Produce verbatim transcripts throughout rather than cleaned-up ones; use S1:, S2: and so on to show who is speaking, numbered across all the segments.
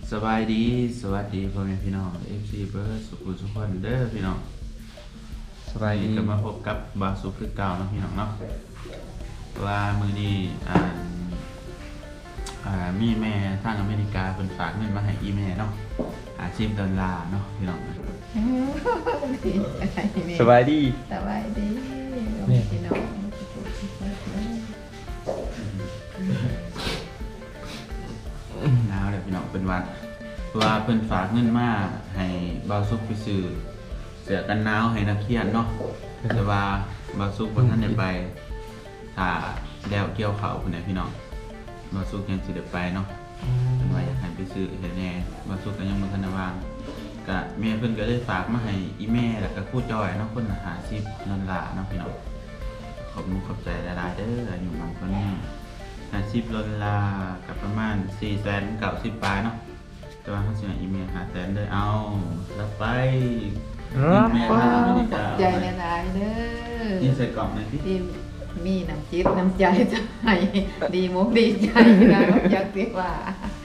S1: สบายดีสวัสดีพ่อแม่พี่น้อง เอฟ ซี เบิร์ดสุขุสุขคนเด้อพี่น้อง
S2: สบายดี
S1: ก็มาพบกับบาสุคือเก่าเนาะพี่น้องเนาะว่ามื้อนี้อ่าอ่ามีแม่ทางอเมริกาเพิ่นฝากเงินมาให้อีแม่เนาะอาชีพดอลลาร์เนาะพี่น้อง
S2: สบายดี
S3: สบายดีพี่น้อง
S1: หนาวเลยพี่น้องเป็นวันว่าเพิ่นฝากเงินมาให้บาสุกไปซื้อเสื้อกันหนาวให้นักเรียนเนาะแต่ว่าบาสุกบ่ทันได้ไปถ้าแล้วเกี่ยวข้าวพุ่นน่ะพี่น้องบาสุกยังสิได้ไปเนาะเพิ่นว่าอยากให้ไปซื้อให้แน่บาสุกก็ยังบ่ทันได้วางก็แม่เพิ่นก็เลยฝากมาให้อีแม่แล้วก็ครูจอยเนาะคนละห้าสิบดอลลาร์เนาะพี่น้องขอบคุณขอบใจหลายๆเด้ออายุมันคนนี้ห้าสิบดอลลาร์กับประมาณสี่แสนเก้าสิบปลายเนาะแต่ว่าเขาสิให้อีเมลหาแสนเลยเอาแล้วไปอีเมล
S3: ว้า
S1: ทางอ
S3: ว
S1: เมริ
S3: ขอก
S1: า
S3: บใจหลายๆเด้อ
S1: นี่ใส่กล่องหน่อยพี่
S3: ที่มีน้ำจิตน้ำใจจะให้ดีมุกดีใจนะอยากเรียกว่าน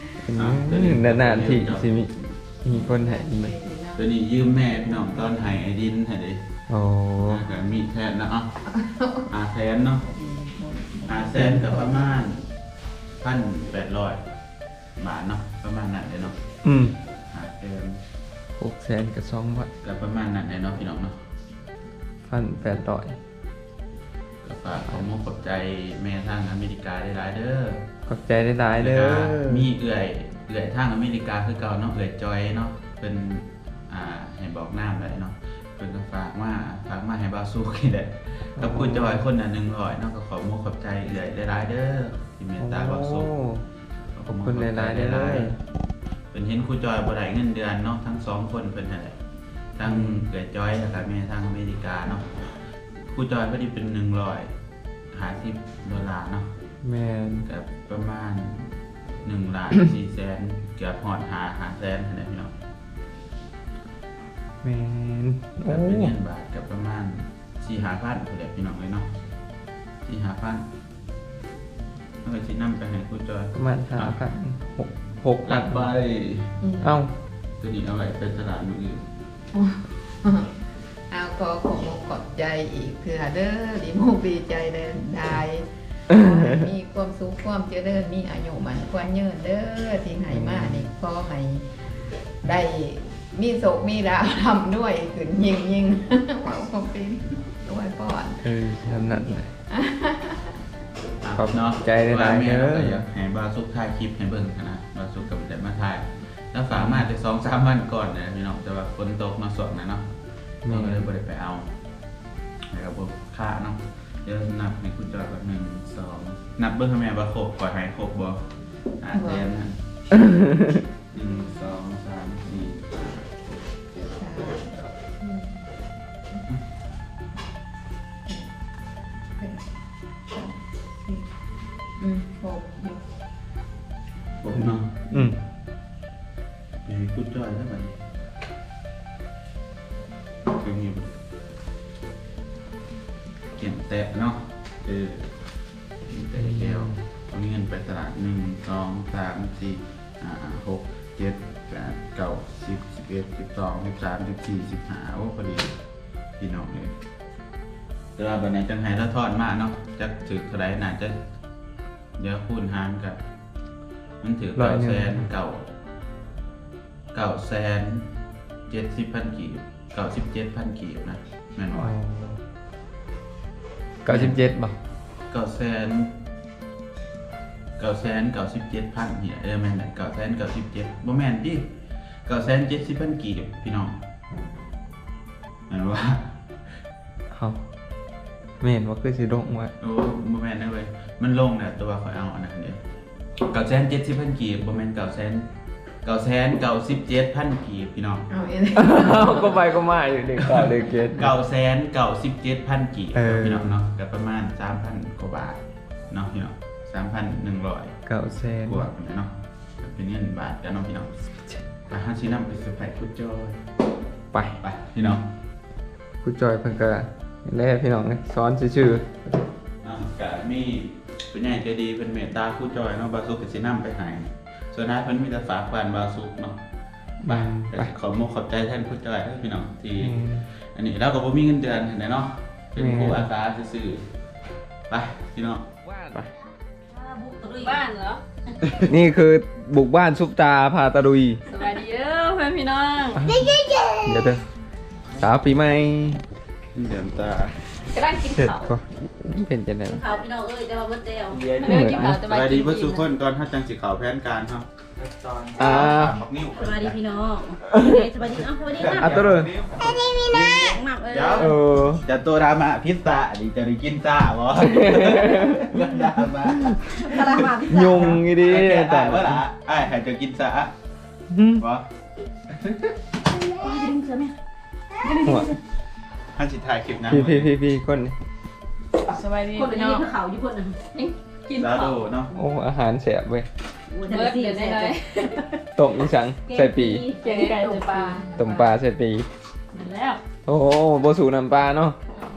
S2: านๆที่สิมีมีคนให้ไหม
S1: ตัวนี้ยืมแม่พี่น้องตอนไห้ไอดินให้ดิ
S2: โอ้
S1: ก็มีแทนนะเอ่ะอาแสนเนาะอาแสนกับประมาณพันแปดร้อยบาทเนาะประมาณนั้นเลยเนาะ
S2: อืม
S1: อาแสน
S2: หกแสนกับสองพัน
S1: กับประมาณนั้นเลยเนาะพี่น้องเนาะ
S2: พันแปดร้อย
S1: ก็ฝากขอมขอบใจแม่ทางอเมริกาได้หลายเด้อ
S2: ขอบใจได้หลายเด้อ
S1: มีเอื่อยเอื่อยทางอเมริกาคือเก่าเนาะเอื่อยจอยเนาะเป็นอ่าให้บอกน้ำเลยเนาะเป็นก็ฝากมาฝากมาให้บาซูกินแหละกับคุณจอยคนละหนึ่งร้อยเนาะก็ขอมขอบใจเอื่อยได้หลายเด้อที่เมตตาบาซู
S2: ขอบคุณหลายๆเด้อ
S1: เป็นเห็นครูจอยบ่ได้เงินเดือนเนาะทั้งสองคนเป็นอะไรทั้งเอื่อยจอยแล้วก็แม่ทางอเมริกาเนาะครูจอยพอดีเป็นหนึ่งร้อยหาสิบดอลลาร์เนาะ
S2: แมน
S1: กับประมาณหนึ่งล้านสี่แสนเกือบหอดหาหาแสนอะไรพี่น้อง
S2: แมนโอ้
S1: กับเป็นเงินบาทกับประมาณสี่หาพันผู้ใดพี่น้องเลยเนาะสี่หาพันเอาไปชิ้นน้ำไปให้ครูจอย
S2: ประมาณห้าพันหกหก
S1: หลั
S2: พั
S1: ก
S2: น
S1: ใบ
S2: เอ้า
S1: ตัวนี้เอาไว้ไปตลาดมืออื่น
S3: เอาขอขอมุกขอบใจอีกเถื่อเด้อดีมุกดีใจเด้อได้มีความสุขความเจริญมีอายุมันควรยืนเด้อที่ให้มานี่ขอให้ได้มีโศกมีดาวทำด้วยขึ้นยิงยิงเป่าความเป็นด้วยก่อน
S2: เออทำนั่นเลย
S1: ะ
S2: ขอบ
S1: เนาะ
S2: ใจหลายๆ
S1: ว่าแม่
S2: เด้อ
S1: ก็อยากให้บาซุกถ่ายคลิปให้เบิ่งนะบาซุกกับแต่มาถ่ายแล้วฝากมาแต่สองสามวันก่อนนะพี่น้องแต่ว่าฝนตกมาสวกนะเนาะเราก็เลยบ่ได้ไปเอานะครับผมค่าเนาะเดี๋ยวนับให้คุณจอยแบบหนึ่งสองนับเบิ่งให้แม่ว่าครบก่อนให้ครบบ่อ่าแทนนะหนึ่งสองสามสี่
S3: อืมครบ
S1: ครบเนาะ
S2: อืม
S1: ให้คุณจอยเท่าไหร่คือมีเขียนแตะเนาะเออแตะแก้วเอาเงินไปตลาดหนึ่งสองสามสี่ห้าหกเจ็ดแปดเก้าสิบสิบเอ็ดสิบสองสิบสามสิบสี่สิบห้าโอ้พอดีพี่น้องเลยแต่ว่าบันไดจังไห้ละทอดมากเนาะจะถือเท่าไรน่าจะเดี๋ยวคูณหารกันมันถือเก้าแสนเก้าเก้าแสนเจ็ดสิบพันกีบเก้าสิบเจ็ดพันกีบนะแม่นบ่
S2: เก้าสิบเจ็ดบ่
S1: เก้าแสนเก้าแสนเก้าสิบเจ็ดพันเนี่ยเออแม่นแหละเก้าแสนเก้าสิบเจ็ดบ่แม่นดิเก้าแสนเจ็ดสิบพันกีบพี่น้องแม่นว่า
S2: เอาแมนว่าคือสิลงไว้
S1: โอ้บ่แม่นนะเว้ยมันลงน่ะตัวข่อยเอาอันนั้นเด้เก้าแสนเจ็ดสิบพันกีบบ่แม่นเก้าแสนเก้าแสนเก้าสิบเจ็ดพันกีบพี่น้อง
S3: เอาเอง
S2: ก็ไปก็มาอยู่เด็กก่าเด็กเกต
S1: เก้าแสนเก้าสิบเจ็ดพันกีบ
S2: เออ
S1: พี่น้องเนาะก็ประมาณสามพันกว่าบาทเนาะพี่น้องสามพันหนึ่งร้อย
S2: เก้าแสน
S1: กว่ากันเนาะเป็นเงินบาทกันเนาะพี่น้องไปห้าชิ้นนำไปสุดไปคุดจอย
S2: ไป
S1: ไปพี่น้อง
S2: ครูจอยเพิ่นก็แล่พี่น้องสอนชื่อ
S1: อ่ะกะมีเป็นใหญ่ใจดีเป็นเมตตาคุดจอยเนาะบาสุกกับชิ้นนำไปใหายส่วนนายเพิ่นมีแต่ฝากบ้านบาวสุกเนาะไป
S2: ไป
S1: แต่ขอมกขอบใจแทนผู้จ่ายเด้อพี่น้องที่
S2: อืม
S1: อันนี้เราก็บ่มีเงินเดือนเห็นไหมเนาะเป็นผู้อาสาซื่อๆไปพี่น้อง
S2: ไป
S4: บ้านเหรอ
S2: นี่คือบุกบ้านซุปตาพาตะลุย
S4: สวัสดีเด้อเพื่อนพี่น้อง
S2: เดี๋ยวเด้อสาวปีใหม่
S1: เดือนตาก
S4: ำลังกิน
S2: เสร็จ
S4: ข้าว
S2: ก็เป็นจังได๋
S4: ข้าวพี่น้องเอ้ยจะมาเบิดเดียว
S2: เดี๋ยว
S4: เดี๋ยวกินข้าว
S1: ส
S4: จะมา
S1: วัส
S4: กิ
S1: ดี
S4: น
S1: เพื่อนทุกคนก่อนถ้าจังสิเขาแผนการครับ
S2: อ่า
S1: บักนิ้ว
S4: สวัสดีพี่น้องสวัสดีเอ้าสวัสดีนะ
S2: อ่ะตัวเด้อ
S4: หมักเอ้ย
S2: เออ
S1: จะตัวดราม่าพิซซ่าดิจะได้กินซ่าบ่ดราม่า
S4: ตลาดมาพี่
S2: ยุงอีดี
S1: แต่
S2: แต่
S1: ว่าล่ะไอ้ให้จะกินซ่า
S2: หืม
S1: บ่
S2: หัว
S1: ท่านสิถ่ายคลิปนะ
S2: พี่พี่พี่พี่คนนี้
S4: สวัสดี
S3: คน
S4: พี่
S3: นี้
S4: น้อง
S3: คือเขาอยู่คนนึง
S4: กิน
S1: ซา
S4: ข้า
S1: โด
S4: ว
S1: เนาะ
S2: โอ้อาหารแสบเว้ย
S4: เบิดเดี๋ยวได้เลย
S2: ต้มอีสังใส่ปี
S4: เก่งไก่ใส่ปลา
S2: ต้มปลาใส่ปี
S4: แล้ว
S2: โอ้โหบ่สูน้ำปลาเนาะ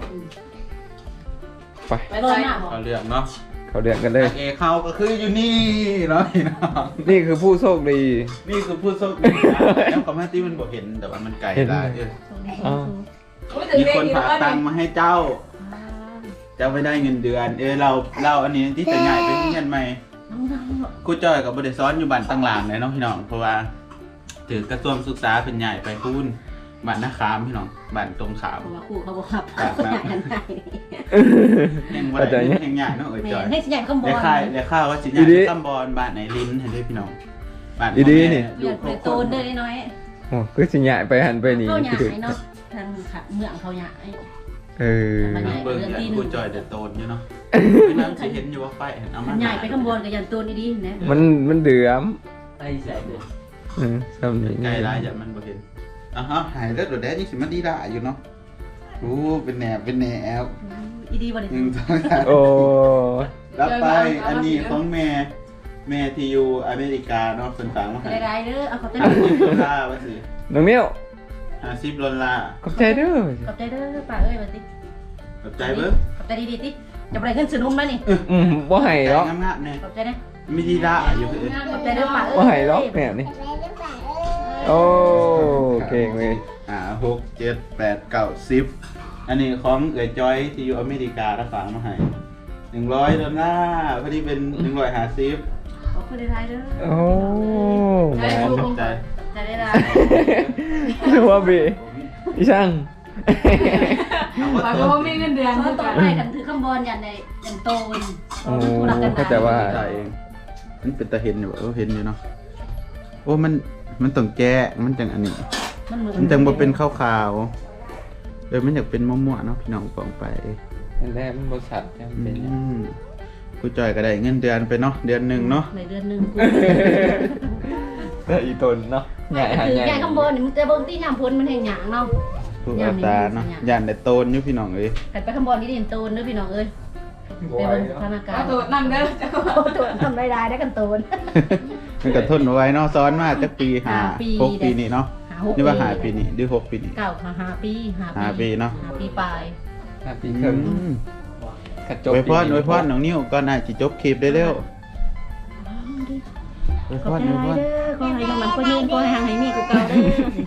S2: ไป
S4: ไปเลยหน้า
S1: เขาเรื่องเนาะ
S2: เขาเดือดกันเลย
S1: เอเขาก็คืออยู่นี่เนาะพี่น้อง
S2: นี่คือผู้โชคดี
S1: นี่คือผู้โชคดีนะแล้วคอมเมนต์ที่มันบอกเห็นแต่ว่ามันไกล
S2: เห็น
S1: ได้เออ
S2: อ้าว
S1: มีคนฝากตังค์มาให้เจ้า เจ้าไม่ได้เงินเดือน เออเราเราอันนี้ที่จะง่ายไปที่เงินใหม่ครูจ้อยกับบริซ้อนอยู่บ้านตั้งหลางเลยเนาะพี่น้องเพราะว่าถือกระทรวงศึกษาเป็นใหญ่ไปพูนบ้านนาคามพี่น้องบ้านตรงขาม
S4: เพราะว่าครูเขาบอกครับเขาอยากกันได้
S1: แห่งวันไหนแห่งใหญ่เนาะเอ๋ย
S4: แม่
S1: จอย
S4: ให้สิใหญ่ข้างบ
S1: ได้
S4: น
S1: ค่ายได้ข้าวว่าสิใหญ่
S2: อีดี
S1: ตำบอลบ้านไหนลิ้นเห็นด้วยพี่น้องบ้าน
S2: อีดีนี่
S1: อยู่
S4: อยาก
S1: คร
S4: ไป
S1: บ
S4: โตนเด้อน้อย
S2: โอ้คือสิใหญ่ไปหันไปนี่
S4: เขาอยา
S2: คื
S4: ก
S2: อ
S4: ให้เนาะทางเมืองเขาอยากให้
S2: เออ
S4: มันใหญ่
S1: เบิ่งอย่างครูจอยเดือดโตนอยู่เนาะพี่น้องจะเห็นอยู่ว่าไฟเห็นเอามา
S4: ใหญ่ไปข้างบนกับยันโตนดีๆนะ
S2: มันมันเดือม
S5: ไอ้แสบเลย
S2: อืมซ้ำนี่
S1: ไกลร้ายอย่ามันบ่เห็นอ่ะฮะหายแล้วโดดแดดยิ่งสิมันดีด่าอยู่เนาะโอ้เป็นแหนบเป็นแหนบ
S4: อีดีวัน
S1: ห
S4: นี้
S1: นึ่งสองสาม
S2: โอ้
S1: รับไปอันนี้ของแม่แม่ที่อยู่อเมริกาเนาะเป็นฝากมาให้
S4: ได้ๆเด้อเอาขอบใจ
S1: ห้าสิบดอลลาร์ว่าสิ
S2: น้องเมียว
S1: ห้าสิบดอลลาร์
S2: ขอบใจเด้อ
S4: ขอบใจเด้อป้าเอ้ยบัดนี้
S1: ขอบใจเบิ้ง
S4: ขอบใจดีๆติจะไปขึ้นซื้อนมแล้วนี่
S2: อืมบ่ให้หรอก
S1: งามๆเนี่ย
S4: ขอบใจนะ
S1: ไม่ดีด่าอยู่คือ
S4: ขอบใจเด้อป้าเอ้ย
S2: บ่ให้หรอกแม่นี่โอ้เก่งเว้ย
S1: อ่าหกเจ็ดแปดเก้าสิบอันนี้ของเอ๋ยจอยที่อยู่อเมริการับฝากมาให้หนึ่งร้อยดอลลาร์พอดีเป็นหนึ่งร้อยห้าสิบ
S4: ขอบคุณได้ๆเด้อ
S2: โอ้แม่
S1: ขอบใจ
S4: ขอบใจได้
S2: นึกว่าบีอีช่าง
S1: เอาว่า
S3: ว่า
S1: ตัว
S3: เขามีเงินเดือน
S4: ๆเขาต่อไปกันถือข้างบนยันในยันโตน
S2: โอ้เข้าใจว่า
S1: จ่ายเองมันเป็นตาเห็นอยู่บ่เออเห็นอยู่เนาะโอ้มันมันต้องแก้มันจังอันนี้
S4: มันเหมือน
S1: มันจังบ่เป็นขาวๆเออมันอยากเป็นมั่วๆเนาะพี่น้องปองไป
S2: อันแรกมันบริษัทจะ
S1: อื
S2: เป็นหยัง
S1: มกูจ่อยก็ได้เงินเดือนไปเนาะเดือนหนึ่งเนาะ
S4: ในเดือนหนึ่งกู
S2: แต่อีตนเนาะใหญ่หา
S4: ถือ
S2: ใหญ่
S4: ใหญ่ข้างบนนี่มันจะเบิ่งที่ยามพ้นมันแห่งหยางเนาะ
S1: ผู้อาตาเนาะย่านได้โตนอยู่พี่น้องเอ้ย
S4: หันไปข้างบนนี่ดินโตนเด้อพี่น้องเอ้ยไปเบิ่งสถานการ
S3: เอา
S4: ณ์
S3: ตัวนั่งเด้อจะ
S4: โอ้ตัวทำได้ได้ได้กันโตน
S1: มันก็ทนเอาไว้เนาะซ้อนมาจักปีหา
S4: ห้าปี
S1: หกปีนี่เนาะ
S4: หาหก
S1: นี่ว่าหาปีนี่หรือหกปีนี่
S4: เก้าหาห้าปีห้า
S1: ห้าปีเนาะ
S4: ห้าปีปลาย
S2: ห้าปีครึ่ง
S1: อืม
S2: กระจก
S1: อวยพรอวยพรน้องนิ้วก่อนน่าสิจบคลิปได้เร็วอวย
S4: ข
S1: พ
S4: อบ
S1: ร
S4: ใจ
S1: อวยพร
S4: เด้อขอให้มันคนยืนขอให้ห่างให้มีกูเก่าเด้อ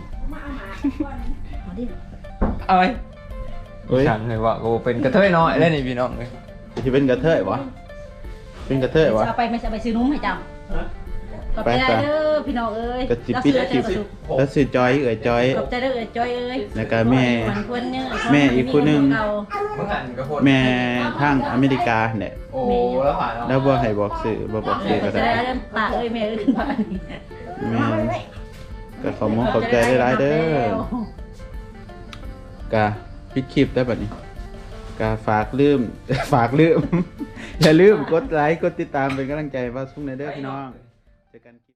S4: มาดิ
S2: เอาไว้
S1: เฮ้ย
S2: ช่างเลยว่ากูเป็นกระเทยน้อยแล้วนี่พี่น้องเลย
S1: สิเป็นกระเทยวะเป็นกระเทยวะ
S4: เอาไปไม่ใช่ไปซื้อนุ่มให้จำขอบใจเด้อพี่น้องเอ้ย
S1: กระจิบปิดจิบแล้วซื้อจอยเอ๋ยจอย
S4: ขอบใจเด้อเอ้ยจอยเอ้ย
S1: แล้วก็แม่
S4: มันควรเนื้อ
S1: แม่อีกคนหนึ่ง
S4: เก่า
S2: เมื่อกันก็โคตร
S1: แม่ทางอเมริกาเนี่ย
S2: โอ้แล้วผ่าน
S1: แล้วบ่ให้บอกสื่อบ่บอกสื่อ
S4: ข
S1: ก็
S4: อบใจ
S1: ได้
S4: เด้อป้าเอ้ยแม่เอ้ยป้านี่
S1: แม่ก็ขอมองขอบใจได้หลายๆเด้อกะปิดคลิปได้บัดนี้กะฝากลืม ฝากลืม อย่าลืมกดไลค์กดติดตามเป็นกำลังใจว่าสุ้งในเด้อพี่น้องเจอกัน